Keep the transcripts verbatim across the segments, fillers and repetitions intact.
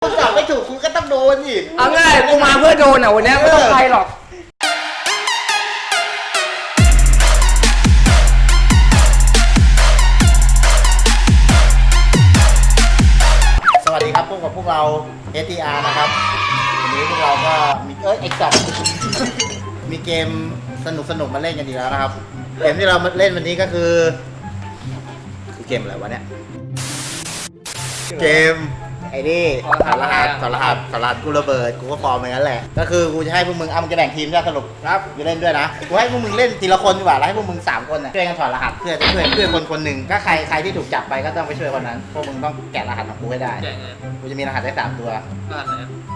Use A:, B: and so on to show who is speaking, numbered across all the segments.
A: คุณตอบไม่ถูกคุณก็ต้องโดนสิ
B: เอาง่ายกูมาเพื่อโดนอ่ะวันนี้ไม่ต้องใครหรอก
A: สวัสดีครับพวกกับพวกเรา เอส ที อาร์ นะครับวันนี้พวกเราก็มีเอ้ยเอ็กซ์มีเกมสนุกสนุกมาเล่นกันดีแล้วนะครับเกมที่เรามาเล่นวันนี้ก็คือคือเกมอะไรวะเนี่ยเกมไอ้นี่ถอดรหัสถอดรหัสถอดรหัสกูระเบิดกูก็ฟอร์มอย่างนั้นแหละก็คือกูจะให้พวกมึงเอามึงจะแบ่งทีมใช่สรุปครับกูเล่นด้วยนะกูให้พวกมึงเล่นทีละคนดีกว่าแล้วให้พวกมึงสามคนน่ะช่วยกันถอดรหัสเพื่อจะช่วยเพื่อนคนคนหนึ่งก็ใครใครที่ถูกจับไปก็ต้องไปช่วยคนนั้นพวกมึงต้องแกะรหัสของกูให้ได้กูจะมีรหัสได้สามตัวรหัสไหน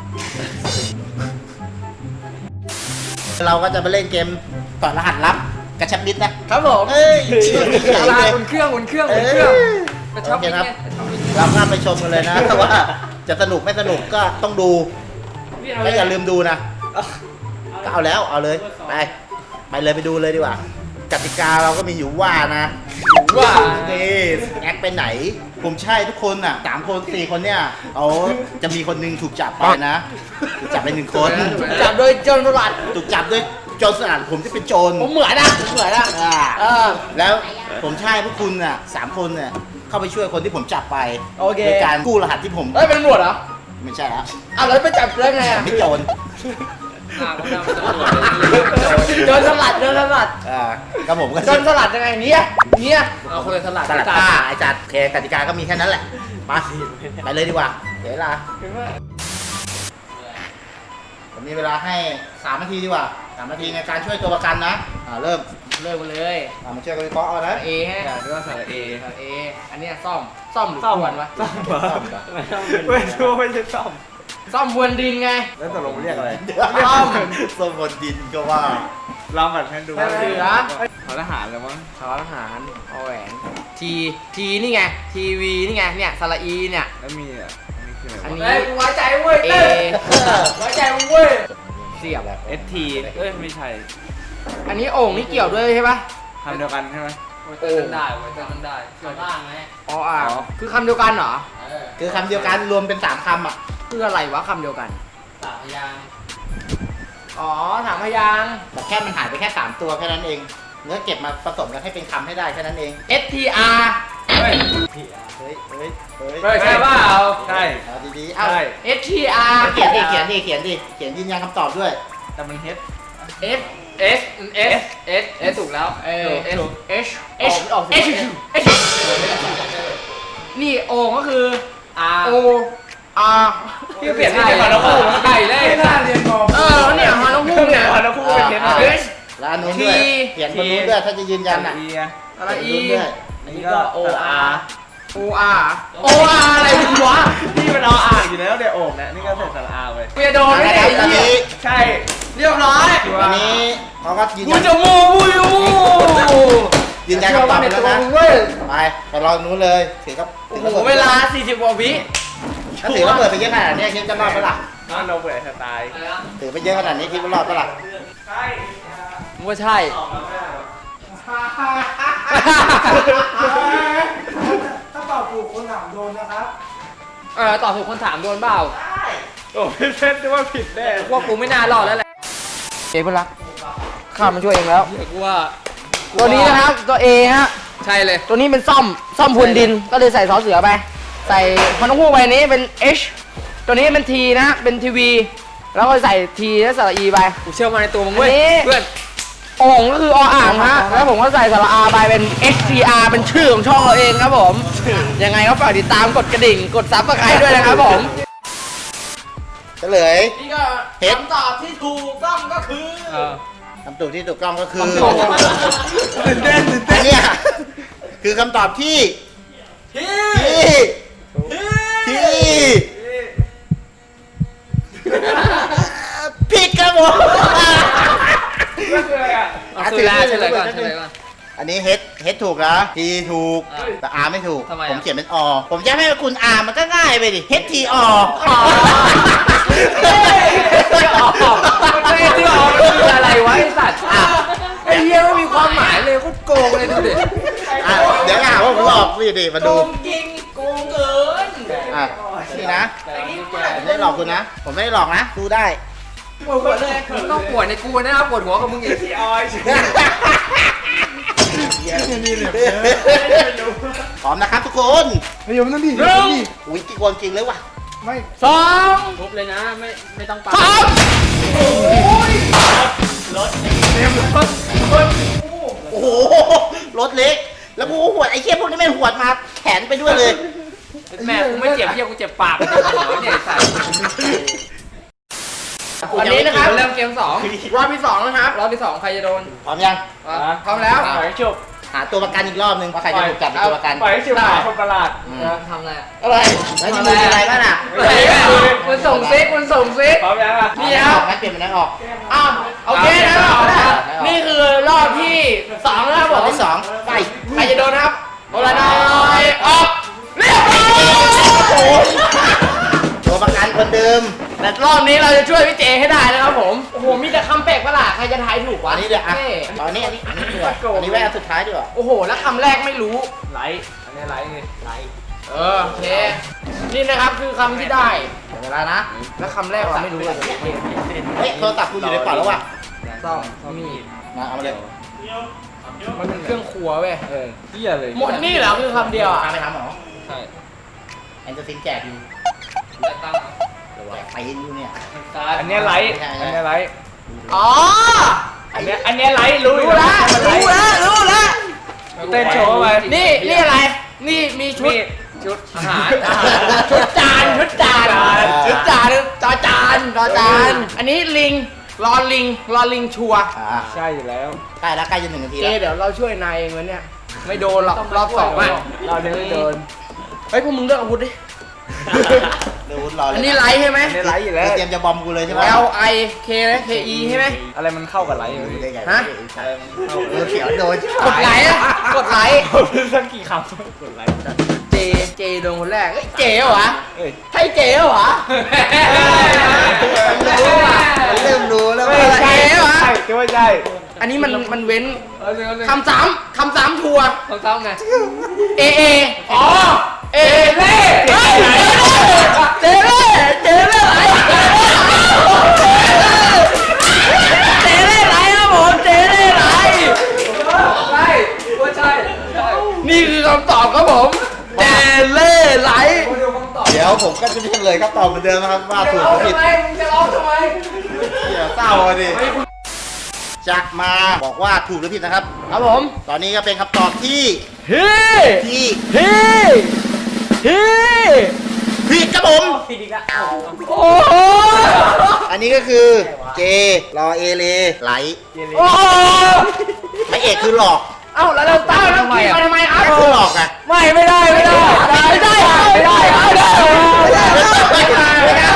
A: เราก็จะไปเล่นเกมถอดรหัสลับกระชับมิตรนะครับผมเอ้ย
B: อะไรอุ่นเครื่องอุ่นเครื่องอุ่นเครื่องกระชับมิตรไง
A: เราก็ไปชมกันเลยนะว่าจะสนุกไม่สนุกก็ต้องดูและอย่าลืมดูนะก็เอาแล้วเอาเลยไปไปเลยไปดูเลยดีกว่ากติกาเราก็มีอยู่ว่านะว่านี่แอคไปไหนผมใช่ทุกคนอ่ะสามคนสี่คนเนี่ยเอาจะมีคนนึงถูกจับไปนะถูกจับไปหนึ่งคน
B: ถูกจับโดยโจรสลัด
A: ถูกจับโดยโจรสลัดผมที่เป็นโจร
B: ผมเหมือนนะเหมือนนะ
A: แล้วผมใช่พวกคุณอ่ะสามคนเนี่ยเข้าไปช่วยคนที่ผมจับไป
B: โอเค
A: โดยการกู้รหัสที่ผม
B: เอ้ยเป็นตำรวจเหรอ
A: ไม่ใช่แล้ว
B: อ้าวแล้วไปจับได้ไงอ่ะ
A: ไม่โจร
B: โจรสลัดโจรสลัด
A: อ่าก็ผมก็
B: โจรสลัดยังไงเนี้ยเนี้ยเอาคนสลัด
A: สลัดผ้าไอ้จัดแค่กติกาก็มีแค่นั้นแหละมาไปเลยดีกว่าเดี๋ยวเวลาผมมีเวลาให้สามนาทีดีกว่าสามนาทีในการช่วยตัวประกันนะอ่าเริ่ม
B: เริ่มเลย
A: อ่ามาช่วยกันวิเคราะห์เอานะ
B: เอฮะเรียกว่าสระเอสระเออันนี้ซ่อมซ่อมหรือซ่อมวะ
C: ซ่อมซ่อมไม่ใช่ไม่ใช่ซ่อม
B: ซ่อมวนดินไง
C: แล้วตกลงเรียกอะไร
A: ซ่อมซ่อมบนดินก็ว่า
C: ลองแบบให้ดู
B: ว่าเหลือ
C: ถอทหารแล้วมั้ง
B: ถอทหารเอาแหวนทีทีนี่ไงทีวีนี่ไงเนี่ยสระอีเนี่ย
C: แล้วมีอ่ะ
B: อันนี้ไว้ใจเว้ยเอไว้ใจมึงเว้ยเสียบแล้ว
C: เอสทีเอ้ยไม่ใช่
B: อันนี้โอ่งนี่เกี่ยวด้วยใช่ปะ
C: คำเดียวกันใช่ไหม
B: โอ่งได้ไว้ใจมันได้ส่วนล่างไหมอ๋ออ่ะคือคำเดียวกันเหรอ
A: คือคำเดียวกันรวมเป็นสามคำอ่ะ
B: คืออะไรวะคำเดียวกันสามพยางอ๋อสามพยาง
A: แต่แค่มันหายไปแค่สามตัวแค่นั้นเองเนื้อเก็บมาผสมกันให้เป็นคำให้ได้แค่นั้นเอง
B: เอส ที อาร์
A: เฮ้ยเฮ้ยเฮ้ยเ
B: ฮ้ยใช่เปล่า
C: ใช่
A: เอาดีๆเอา
B: เอส ที อาร์
A: เขียนดิเขียนดิเขียนดิเขียนยืนยันคำตอบด้วย
C: แต่มันเฮด
B: F S S S S ถูกแล้วเออ H H H H H นี่โอก็คือ R O R
C: ที่เปลี่ยนที่เป็นฮอนคู่
B: ไก่เลย
C: ไม่น่าเรียนมอ
B: เออเนี่ยฮอนคู่เนี่ย
C: ฮอนคู่เป็นเฮด
A: H แล้วอันนู้นด้วยเขียนบนนู้นด้วยถ้าจะยืนยันอ่ะ
B: อะไร E
A: ด้วย
C: นี่ก็ O R
B: O R O R อะไรวะ
C: นี่มันเอาอ่างอยู่แล้วเดี๋ยวโอ่งนะนี่ก็ใส่สระอาไป
B: เปียโดนไม่ได้
C: ใช่
B: เรียบร้อย
A: วันนี้เขาก็ยืนยัน
B: กูจะมูกูอยู่
A: ยืนยันคำตอบแล้วนะไปไปรอนู้นเลยถือก็
B: โอ้โหเวลาสี่สิบกว่าวิ
A: ถ้าถือว่าเปิดไปเยอะขนาดนี้คิดจะรอดปะล่ะ
C: น้องเราเปิดสไตล์
A: ถือไปเยอะขนาดนี้คิดว่ารอดปะล่ะ
C: ใช่
B: ว่าใช่
C: ถ้าตอบถูกคนถามโดนนะครับ
B: เออตอบถูกคนถามโดนเปล่า
C: ใช่โอ้ไม่เล่นว่าผิดแน่
B: พวกกูไม่น่ารอดแล้วแหละเอเพื่อนรักข้ามันช่วยเองแล้วกูว่าตัวนี้นะครับตัว A ฮะใช่เลยตัวนี้เป็นซ่อมซ่อมพรวนดินก็เลยใส่ซอเสือไปใส่ฮอนคู่ใบนี้เป็น H ตัวนี้เป็น T นะเป็นทีวีแล้วก็ใส่ T และสระ E ไปกูเชื่อมาในตัวมึงเว้ยเพื่อนโอ่งก็คือออ่างฮะแล้วผมก็ใส่สระ R ไปเป็น H T R เป็นชื่อของช่องเราเองครับผมยังไงก็ฝากติดตามกดกระดิ่งกดซับสไครบ์ด้วยนะครับผม
A: เฉลย
B: นี่ก็คำตอบที่ถูกต้องก็คือ
A: คำตอบที่ถูกต้องก็คือ
C: ตื่นเต้นตื่นเต้น
A: เนี่ยคือคำตอบที่ที่ที่ผิดครับผม
B: คืออะไรอ่ะเฉลยก่อนเฉลยก่อน
A: อันนี้เฮดเฮดถูกนะทีถูกแต่อาร์ไม่ถูกผมเขียนเป็นอผมจะให้คุณอาร์มันก็ง่ายไปดิเฮดทีอ
B: ไม่ที่อคืออะไรวะไอ้สัตว์ไอ้เหี้ยไม่มีความหมายเลยโคตรโกงเลยดูดิ
A: เดี๋ยวอ่ะว่าผมออกนี่ดิมาดู
B: โกงจริงโกงเกิน
A: อ่ะนี่นะผมไม่ได้หลอกคุณนะ ผมไม่ได้หลอกนะ ดูได้
B: ปวดหัวเลยมึงต้องปวดในกูนะครับปวดหัวกับมึงอีก
C: พี่ออย
A: พร้อมนะครับทุกคน
C: ไม่ยอมนั่นดิ
B: หนึ่ง
A: อุ้ยกี่คนจริงเลยว่ะ
C: ไม่
B: สอง
D: ทุบเลยนะ ไม่ไม่ต้องปั
B: สาม
A: โอ้โห รถเล็ก แล้วกูหวดไอ้เชี่ยพวกนี้แม่งหวดมาแขนไปด้วยเลย
D: แม่กูไม่เจ็บเพี้ยกูเจ็บปากเนี่ยใส่
B: วันนี้นะครับ
D: เริ่มเกมสอง
B: รอบที่สองนะครับ
D: รอบที่สองใครจะโดน
A: พร้อมยัง
B: พร้อมแล้ว
C: ปล่อยให้จบ
A: หาตัวประกันอีกรอบนึงว่าใครจะถูกจับเป็นตัวประกัน
C: ปล่อยให้จบหาคนประหลาด
D: ทำอะไรอะ
B: อะไร
A: แล้วจะมีอะไรบ้างอ่ะ
B: ไหนอะมันส่งซิกมันส่งซิก
C: พร้อมยังอ่ะ
B: นี่ครับ
A: งั้นเปลี่ยนเป็นนักออก
B: อ้าวโอเคนะนี่คือรอบที่สองนะครับผ
A: รอบ
B: ม
A: ที่สองไป
B: ใครจะโดนครับโอลานอยออกเรียบร้อย
A: ตัวประกันคนเดิม
B: แต่รอบนี้เราจะช่วยพี่เจให้ได้นะครับผมโอ้โหมีแต่คำแปลกประหลาดใครจะทายถูกวะ
A: อันนี้เดี๋ยวอ่ะ
B: ท่
A: ตอนนี้อันนี้อันนี้ดีกว่าอันนี้ไว้อันสุดท้ายดีกว่า
B: โอ้โหแล้วคำแรกไม่รู้
C: ไลท์อันนี้ไลท์ไงไลท์
B: เออโอเคนี่นะครับคือคำที่ได้เดี๋ยวเวลานะ แล้วคำแรกเราไม่รู้เลย
A: เฮ้ยโทรศัพท์กูอยู่ในกระเป๋าแล้วว่ะ
B: ซ่อมมีด
A: มาเอามาเลย
B: มันเป็นเครื่องครัวเว้ย
C: เออเหี้ยเลย
B: หมดนี่เหรอคือคำเดียวอ่ะ
A: พาไปทำเหรอ
D: ใช่
A: แอนเจอร์ซินแจกอยู่
D: แต่ตั้ง
A: แจกไปอยู่เนี่ย
C: อันนี้ไลท์อันนี้ไลท์
B: อ๋อ
C: อันนี้อันนี้ไลท์รู้
B: รู้แล้วรู้แล้วรู้แล้ว
C: เต้นโชว์ไป
B: นี่นี่อะไร นี่มีชุด
C: นี่ชุดอาหาร
B: ชุดจานชุดจานชุดจานจอจานจอจาน อันนี้ลิงรอลิงรอลิงชัวร์
A: อ่า
C: ใช่อยู่แล้ว
A: ใกล้แล้วใกล้จะหนึ่งนาที
B: เจ
A: แล้ว
B: เดี๋ยวเราช่วยนายเองวันเนี้ยไม่โดนหรอกรอบสองอ่ะ
C: เราเนี่ยไม่โดน
B: เฮ้ยพวกมึงเลือกอาวุธดิ
A: เดี๋ยววุ้นรอเลย
B: อันนี้ไลท์ใช่ไหม
C: อันนี้ไลท์อยู่แล้ว
A: เตรียมจะบอมกูเลยใช่ไหม
B: L I K นะ K E ใช่ไหม
C: อะไรมันเข้ากับไลท์เลย
A: ได้ไง
B: ฮะ
A: เออเขียวโดน
B: กดไลค์อะกดไลค์
C: สักกี่คำกดไลค์
B: เจ เจโดนคนแรกเฮ้ยเจเหรอวะ
C: เอ้ย
B: ใช่เจเหรอวะ
A: เริ่มรู้แล้ว
B: ไม่
A: ว่า
B: ใช่ เหรอ
C: ใช่คิดว่าใช่
B: อันนี้มันมันเว้น
D: เอาเลยเอาเลย
B: คำสามคำสามทัวร์
D: ของเต้าไง
B: A A อ๋อ เอเล่เฮ้ยเจเล่เจเล่ไหลเจเล่ไหลครับผมเจเล่ไหล
D: ใช่ว่าใช่ใช่
B: นี่คือคำตอบครับผม เจเล่ไหล
D: มาดูคำตอบ
A: เดี๋ยวผมก็จะเฉลยครับตอบเหมือนเดิมนะครับว่าถูกหรือผิด
B: ทำไมมึงจะร้องทำไม
A: เหี้ยเศร้าอะดิจะมาบอกว่าถูกหรือผิดนะครับ
B: ครับผม
A: ตอนนี้ก็เป็นคำตอบที่
B: เฮ้
A: ที่
B: เฮ้เฮ้
A: ผิดครับผม
B: โอ้โห
A: อันนี้ก็คือเจรอเอเลไหล
B: โอ้โห
A: พระเอกคือหลอก
B: เอ้าแล้วเราตั้งทำไมอ่ะทำไมครับ
A: ก็คือหลอกอะ
B: ไม่ไม่ได้ไม่ได้ไม่ได้ไม่ได้ไม่ได้ไม่ได้ไม่ได้ไม่ได้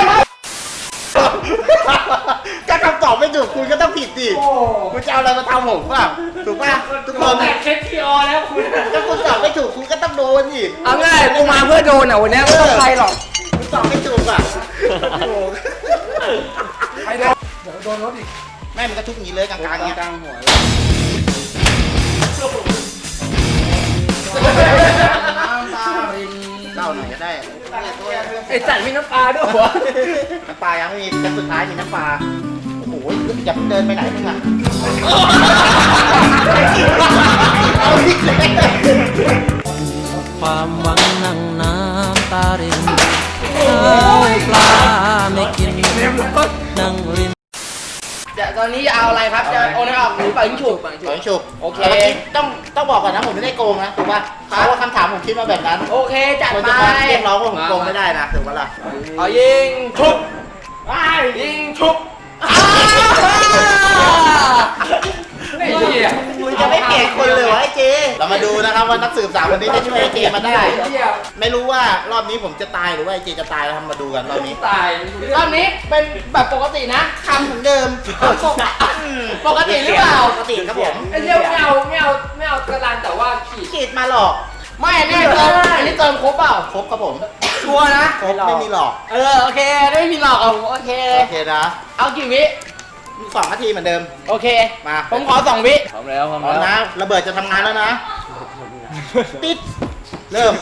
A: ก็คำตอบไม่ถูกคุณก็ต้องผิดดิคุณจะเอาอะไรมาทำผมป่ะถูกป่ะทุกคน
C: แต่เช็คทีออแล้วคุณ
A: ถ้าคุณตอบไม่ถูกคุณก็ต้องโดนดิ
B: เอาง่ายกูมาเพื่อโดนอ่ะวันนี้ไม่ต้องใครหรอก
A: คุณตอบไม่ถูกอ่ะโอ้โห
B: ใครโดนเดี๋ยวโดนรถอีก
A: แม่มันก็ทุกอย่างนี้เลยกลางๆเงี้ย
C: กลางหัว
A: เล่าหน่อยก็ได้
B: ไอ้สัตว์มีน้ำปลาด้วยหัว
A: น้ำปลายังไม่มีแค่สุดท้ายมีน้ำปลาโอ้โหอย่าเพิ่งเดินไปไหนมึงอ่ะเอาอีกแล้ว
E: ความหวังนั่งน้ำตารินข้าวปลาไม่กินนั่งริม
B: เดี๋ยวตอนนี้จะเอาอะไรครับ จะโอนให้ออกหรือเปล่ายิงฉุบ
A: ขอให้ฉุก
B: โอเค
A: แต่มื่กี้ต้องต้องบอกก่อนนะผมไม่ได้โกงนะถูกป่ะเพราะว่าคำถามผมคิดมาแบบนั้น
B: โอเคจัด
A: คน
B: ไป
A: จะมาเรียกร้องว่าผมโกงไม่ได้นะถูกปะล่ะ
B: เอายิงฉุบยิงฉุบอ้า
D: ไอ้เหี้ย
A: มึงจะไม่เปลี่ยนคนเลยวะไอ้เจ เรามาดูนะครับว่านักสืบสาวคนนี้จะช่วยไอ้เจมาได้
D: เหี้ย
A: ไม่รู้ว่ารอบนี้ผมจะตายหรือว่าไอ้เจจะตายนะครับมาดูกันรอบนี้
D: ตาย
B: รอบนี้เป็นแบบปกตินะ
A: คำเหมือนเดิม
B: ปกติหรือเปล่า
A: ปกติครับผม
D: ไอ้เหี้ยไม่เอาไม่เอาไม่เอากระดานแต่ว่าขีด
A: ขีดมาหลอก
B: ไม่อันนี้เติมอันนี้เติมครบเปล่า
A: ครบครับผม
B: ชัวร์นะ
A: ครบไม่มีหลอก
B: เออโอเคไม่มีหลอกเอาโอเคเลย
A: โอเคนะ
B: เอากี่วิ
A: สองนาทีเหมือนเดิม
B: โอเค
A: มา
B: ผมขอสองวิ
C: พร้อมแล้วพร้อม
A: พร้อม
C: แล้ว
A: นะระเบิดจะทำงานแล้วนะ ติด เริ่ม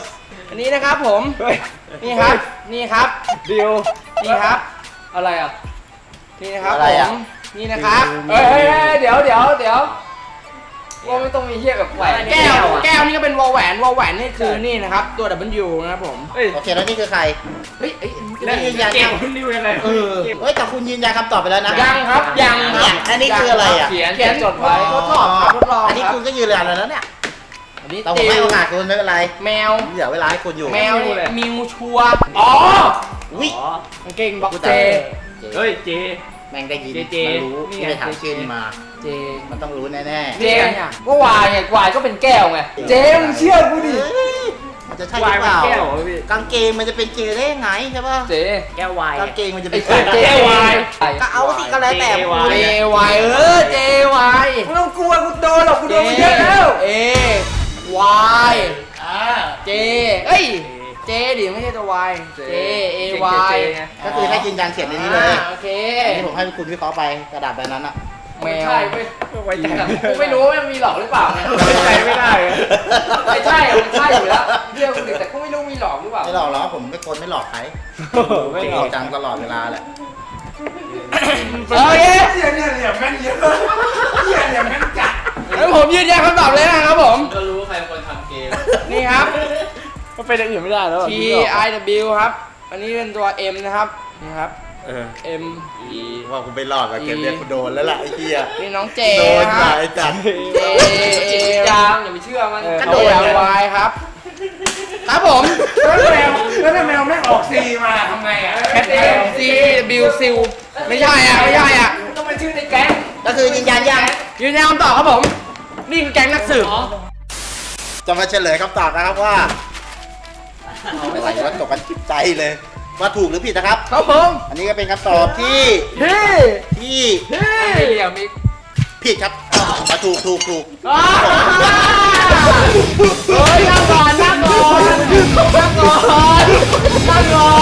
B: อันนี้นะครับผม
C: เฮ้ย
B: นี่ครับ นี่ครับ
C: ดิว
B: นี่ครับ
D: อะไรอ่ะ
B: นี่นะครับ
A: อะไร
B: ผ
A: อะ
B: ม นี่นะครับ
D: เฮ้ยเฮ้ยเฮ้ยเดี๋ยวเดี๋ยวเดี๋ยวว่าไม่ต้องมีเฮียแบบแหวน
B: แก้ว
D: อะ
B: แก้วนี่ก็เป็นวอลแหวน วอลแหวนนี่คือนี่นะครับ ตัว W นะครับผม
C: เฮ้ย
A: โอเคแล้วนี่คือใคร
B: เฮ้ยเอ้ย
A: แล้วยืนยัน
C: เก่
A: ยัง ง
C: คุณดิวยังไง
A: เออเฮ้ยแต่คุณยืนยันคำตอบไปแล้วนะ
B: ยังครับ ยังค
A: เนี่
B: รั
A: ย
B: บ
A: อันนี้คืออะไรอ่ะ
D: เขียน
B: เขียน
D: จดไว้
B: ทดสอบครับทดลอง
A: อันนี้
B: ครับ
A: คุณก็ยืนยันแล้วเนี่ย
B: อันนี้
A: แต่ผมให้โอกาสคุณไม่เป็นไร
B: แมว
A: เดี๋ยวเวลาให้คุณอยู่
B: แมวเนี่ยมิวชัวร์อ๋อ
A: อุ้ย
C: อ๋อก
B: างเกงบ็อก
A: กู
B: เจ
A: จำได้
C: เฮ้ยเจ
A: แม่งได้ยิน
C: เจเจ
A: มันรู้
C: นี่
A: ที่
C: ไง
A: ไปถาม
C: เจ
A: ชื่อนี่มา
B: เจ
A: มันต้องรู้แน่
B: เจ
D: ก็วายไงวายก็เป็นแก้วไง
A: ๆ
B: เจมึงเชื่อกูดิ
A: เฮ้ยมันจะใช่ห
C: วา
A: รื
C: ย
A: อเปล่า
C: มันแก้วเหรอพี่
A: กางเกงมันจะเป็นเจได้ยังไงใช่ป่ะ
D: เจ๊
C: แก้ววาย
A: กางเกงมันจะ
D: ไอ้
A: เป็น
D: เจ๊
A: เจ
D: เจ๊วาย
A: ก็เอาสิก็แล้วแต่
C: เจ
A: คุณ
B: เจวายเออเจวายไม่ต้องกลัวกูโดนหรอกกูโดนมาเยอะแล้วเอวายเจเอ้ยเจดิไม่ใช่ตัววายเจเอวาย
A: ก็คือให้ยืนยันเขียนในนี้เลย
B: โอเค
A: อันนี้ผมให้คุณวิเคราะห์ไปกระดาษใบนั้นอะ
B: แมว
D: ใช่เว้ย
C: ไว้ใจ
D: กูไม่รู้ว่ามันมีหลอกหรือเปล่าไง
C: ไว้ใจไม่ได้อะ
D: ไม่ใช่มันใช่อยู่แล้วเรื่องกูดิแต่กูไม่รู้มีหลอกหรือเปล่า
A: ไม่หลอกหรอกผมไม่โกนไม่หลอกใคร
C: ไม่
A: จริง
C: หรอก
A: จังตลอดเวลาแหละ
B: โอเค
C: เนี่ยเนี่ยเนี่ยแม่นเยอะเนี่ยเนี่ยแม่นจัด
B: งั้นผมยืนยันคำตอบเลยนะครับผม
D: ก็รู้ใครเป็นคนทำเกม
B: นี่ครับ
C: มันเป็นอย่างอื่นไม่ได้แล้ว
B: T I W ครับ อันนี้เป็นตัว M นะครับ นี่ครับ
C: เออ
B: M
A: อีว่าคุณไปหลอกกับเกมเนี้ยคุณโดนแล้วล่ะไอ้เหี้ย
B: นี่น้องเจ
A: โดน
B: ค
A: มา
B: รับ
A: ไอ้จัด
B: J
D: จิตวิญญาณอย่าไปเชื่อมัน
B: กระโดดวายครับ ครับผม
C: แล้วแมวแล้วถ้าแมวไม่ออกซีมาทำไงอ่ะแคทเอ
B: C W ซิลไม่ใช่อ่ะ ไม่ใช่อ่ะ
D: ต้องเป็นชื่อในแก๊ง
A: ก็คือยืนยันยัง
B: ยืนยันคำตอบครับผม นี่คือแก๊งนักสืบ
A: จะมาเฉลยคำตอบนะครับว่าอะไรว่าตกกันจิตใจเลย ว่าถูกหรือผิดนะครับ
B: ครับผม
A: อันนี้ก็เป็นคำตอบที่
B: เฮ้
A: ที่
B: เฮ้
D: ไม่เหลี่ยมอีก
A: ผิดครับมาถูกถูกถูก
B: อ้าวเฮ้ยนั่งก่อนนั่งก่อนนั่งก่อนนั่งก่อน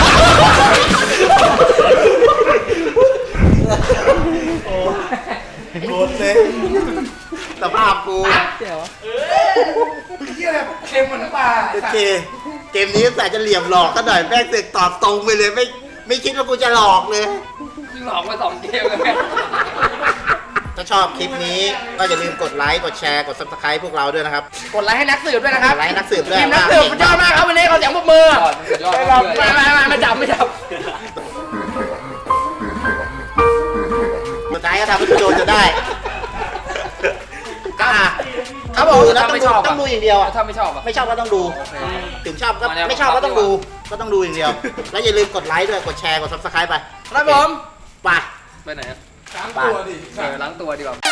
A: โดนเลยสภาพกู
C: เค็มเหมือนน้ำปลา
A: โอเคเกมนี้แต่จะเหลี่ยมหลอกก็หน่อยแม่งเสือกตอบตรงไปเลยไม่ไม่คิดว่ากูจะหลอกเลย
D: หลอกมาสองเกมแล้วไง
A: ถ้าชอบคลิปนี้ก็อย่าลืมกดไลค์ กดแชร์ กด ซับสไครบ์ พวกเราด้วยนะครับ
B: กดไลค์ให้นักสืบด้วยนะครับ
A: กดไลค์ให้นักสืบด้วย
B: ทีมนักสืบมันยอดมากครับวันนี้เขาเสียงปรบมือ
D: ยอดยอดยอด
B: มามามามาจับไม่จับ
A: สุดท้ายก็ทำให้กูโดนจะได้ก็อ่ะ
B: ครับผม
A: ดูแล้วต้องดูต้องดูอย่างเดียวอ่ะ
D: ถ้าไม่ชอบอ่ะ
A: ไม่ชอบก็ต้องดู ถึงชอบก็
D: มาเนี่ย
A: ไม่ชอบก็ต้องดู ก็ต้องดูอย่างเดียว แล้วอย่าลืมกดไลค์ด้วย กดแชร์ กด ซับสไครบ์ ไป
B: ครับผม
A: ไป
D: ไปไหนอ่ะ
A: ไป
D: เออล้างตัวดีกว่า